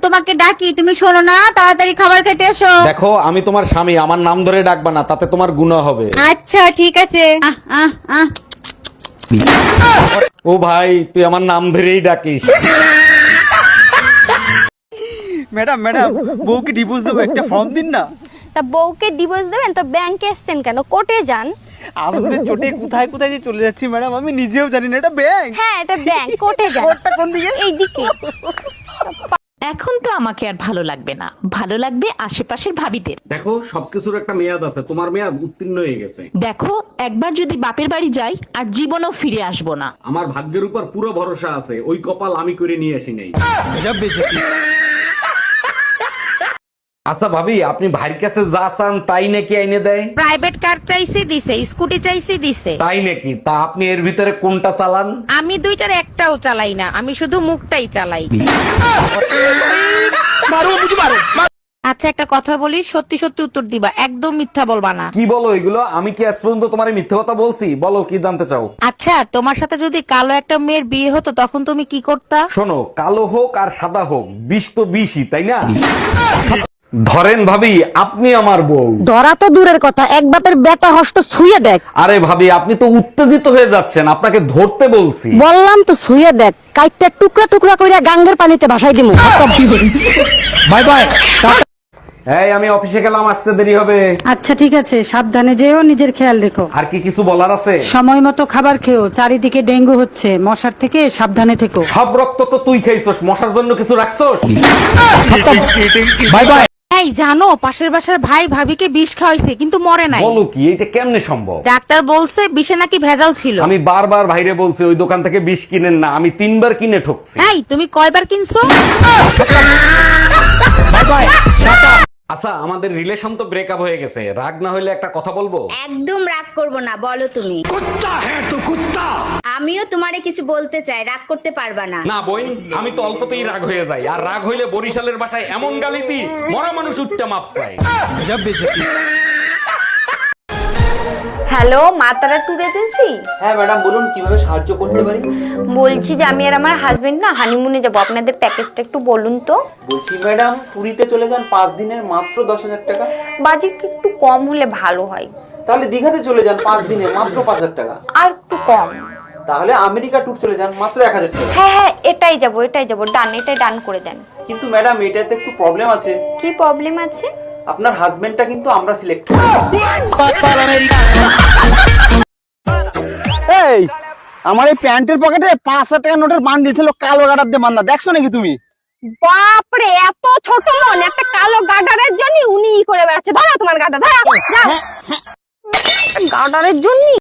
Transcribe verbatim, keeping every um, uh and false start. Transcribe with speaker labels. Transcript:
Speaker 1: তোমাকে ডাকি, তুমি শোনো না, তাড়াতাড়ি খাবার খেতে এসো।
Speaker 2: দেখো আমি তোমার স্বামী, আমার নাম ধরে ডাকবা না, তাতে তোমার গুনাহ হবে।
Speaker 1: আচ্ছা ঠিক আছে। আহ আহ আহ
Speaker 2: ও ভাই, তুই আমার নাম ধরেই ডাকিস।
Speaker 3: ম্যাডাম ম্যাডাম বউকে ডিভোর্স দেবো, একটা ফর্ম দিন না।
Speaker 4: তা বউকে ডিভোর্স দেবেন তো ব্যাংকে এসছেন কেন? কোর্টে যান।
Speaker 3: আমাদের চোটে কোথায় কোথায় যে চলে যাচ্ছি ম্যাডাম, আমি নিজেও জানি না। এটা ব্যাংক।
Speaker 4: হ্যাঁ এটা ব্যাংক, কোর্টে যান।
Speaker 3: কোর্টটা কোন দিকে?
Speaker 4: এইদিকে।
Speaker 5: এখন তো আমাকে আর ভালো লাগবে না, ভালো লাগবে আশেপাশের ভাবিদের।
Speaker 2: দেখো সবকিছুর একটা মেয়াদ আছে, তোমার মেয়াদ উত্তীর্ণ হয়ে গেছে।
Speaker 5: দেখো একবার যদি বাপের বাড়ি যাই আর জীবনও ফিরে আসবো না।
Speaker 2: আমার ভাগ্যের উপর পুরো ভরসা আছে, ওই কপাল আমি করে নিয়ে আসি নাই। আচ্ছা ভাবি, আপনি ভাইয়ের কাছে যা চান তাই নাকি আইনে দেয়?
Speaker 6: প্রাইভেট কার চাইছি দিছে, স্কুটি চাইছি দিছে।
Speaker 2: তাই নাকি? তা আপনি এর ভিতরে কোনটা চালান?
Speaker 6: আমি দুইটার একটাও চালাই না, আমি শুধু মুখটাই চালাই। আচ্ছা একটা কথা বলি, সত্যি সত্যি উত্তর দিবা, একদম মিথ্যা বলবা না।
Speaker 2: কি বলো এগুলো? আমি কি আজ পর্যন্ত তোমার মিথ্যে কথা বলছি? বলো কি জানতে চাও?
Speaker 6: আচ্ছা তোমার সাথে যদি কালো একটা মেয়ের বিয়ে হতো তখন তুমি কি করতা?
Speaker 2: শোনো, কালো হোক আর সাদা হোক, বিষ তো বিষই, তাই না? ধরেন ভাবি, আপনি আমার বউ।
Speaker 7: ধরা তো দূরের কথা, এক বাপের বেটা হস্ত ছুঁয়ে দেখ।
Speaker 2: আরে ভাবি, আপনি তো উত্তেজিত হয়ে যাচ্ছেন, আপনাকে ধরতে বলছি।
Speaker 7: বললাম তো ছুঁয়ে দেখ, কাইটটা টুকরা টুকরা কইরা গাঙ্গের পানিতে ভাসাই দিমু।
Speaker 2: Bye bye. এই আমি অফিসে গেলাম, আসতে দেরি হবে।
Speaker 7: আচ্ছা ঠিক আছে, সাবধানে যেও, নিজের খেয়াল রেখো।
Speaker 2: আর কি কিছু বলার আছে?
Speaker 7: সময় মতো খাবার খেও, চারিদিকে ডেঙ্গু হচ্ছে, মশার থেকে সাবধানে থেকো।
Speaker 2: সব রক্ত তো তুই খাইছস, মশার জন্য কিছু রাখছস? By bye.
Speaker 6: এই জানো পাশের বাসার ভাই ভাবিকে বিষ খাওয়াইছে কিন্তু মরে নাই।
Speaker 2: বলো কি, এটা কেমনে সম্ভব?
Speaker 6: ডাক্তার বলছে বিষে নাকি ভেজাল ছিল।
Speaker 2: আমি বারবার ভাইরে বলছি ওই দোকান থেকে বিষ কিনেন না, আমি তিনবার কিনে ঠকছি।
Speaker 6: এই তুমি কয়বার কিনছো?
Speaker 2: আচ্ছা আমাদের রিলেশন তো ব্রেকআপ হয়ে গেছে, রাগ না হইলে একটা কথা বলবো?
Speaker 8: একদম রাগ করব না, বলো তুমি। কুত্তা হ্যাঁ তো কুত্তা। আমিও তোমারে কিছু বলতে চাই, রাগ করতে পারবা না।
Speaker 2: না বোন, আমি তো অল্পতেই রাগ হয়ে যাই, আর রাগ হইলে বরিশালের ভাষায় এমন গালি দি, মরা মানুষ উঠতে মাপ চাই।
Speaker 8: হ্যালো, মা তারা ট্যুর এজেন্সি?
Speaker 3: হ্যাঁ ম্যাডাম বলুন, কিভাবে সাহায্য করতে পারি?
Speaker 8: বলছি যে আমি আর আমার হাজবেন্ড না হানিমুনে যাব, আপনাদের প্যাকেজটা একটু বলুন তো।
Speaker 3: বলছি ম্যাডাম, পুরীতে চলে যান পাঁচ দিনের, মাত্র দশ হাজার টাকা।
Speaker 8: বাজেট একটু কম হলে ভালো হয়।
Speaker 3: তাহলে দীঘাতে চলে যান পাঁচ দিনে, মাত্র পাঁচ হাজার টাকা।
Speaker 8: আর একটু কম।
Speaker 3: তাহলে আমেরিকা ট্যুর চলে যান, মাত্র এক হাজার টাকা।
Speaker 8: হ্যাঁ হ্যাঁ এটাই যাব, এটাই যাব, ডান, এটাই ডান করে দেন।
Speaker 3: কিন্তু ম্যাডাম এটাতে একটু প্রবলেম আছে।
Speaker 8: কি প্রবলেম আছে?
Speaker 3: আপনার হাজবেন্ডটা কিন্তু আমরা সিলেক্ট করেছি। এই আমার এই প্যান্টের পকেটে পাঁচ হাজার টাকা নোটের বান্ডিল ছিল, কালো গাডার দিয়ে বান্ধা, দেখছো নাকি তুমি?
Speaker 4: বাপরে এত ছোট মন, একটা কালো গাডারের জন্য উনি ই করে বেড়াচ্ছে। ধরো তোমার গাডা, ধরো যাও। গাডারের জন্য